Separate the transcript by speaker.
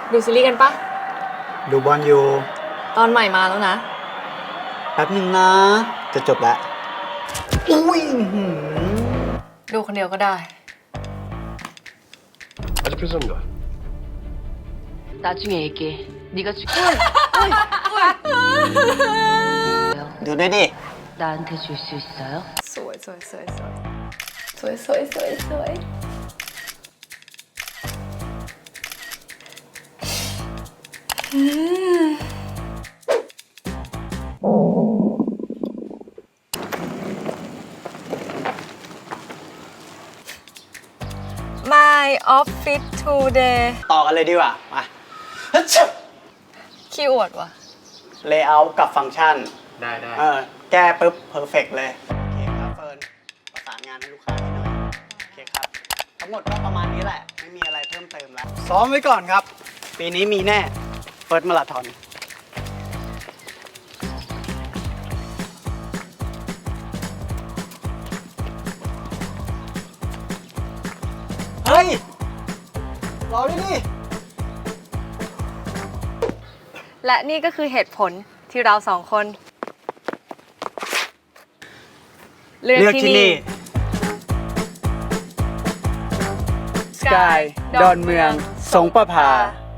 Speaker 1: ดูซีรีส์กันปะ
Speaker 2: ดูบอลอยู่
Speaker 1: ตอนใหม่มาแล้วนะ
Speaker 2: แป๊บหนึ่งนะจะจบแล้วอุ้ย
Speaker 1: ดูคนเดียวก็ได้
Speaker 2: ดูด้วยดิ
Speaker 1: สวยสวยสวยสวยสวยสวยสวยสวย My office today
Speaker 2: ต่อกันเลยดีกว่ามา
Speaker 1: ขี้อวดว่ะ
Speaker 2: layout กับฟังก์ชัน
Speaker 3: ได้
Speaker 2: แก้ปุ๊บ perfect เลย โอเคครับเฟิร์นประสานงานให้ลูกค้าให้หน่อยโอเคครับ ทั้งหมดก็ประมาณนี้แหละ ไม่มีอะไรเพิ่มเติมแล้ว ซ้อมไว้ก่อนครับ ปีนี้มีแน่เฟิร์สมาราธอนเฮ้ย รอด้วยดิ
Speaker 1: และนี่ก็คือเหตุผลที่เราสองคนเลือกที่นี่
Speaker 2: สกาย ดอนเมือง สงประภา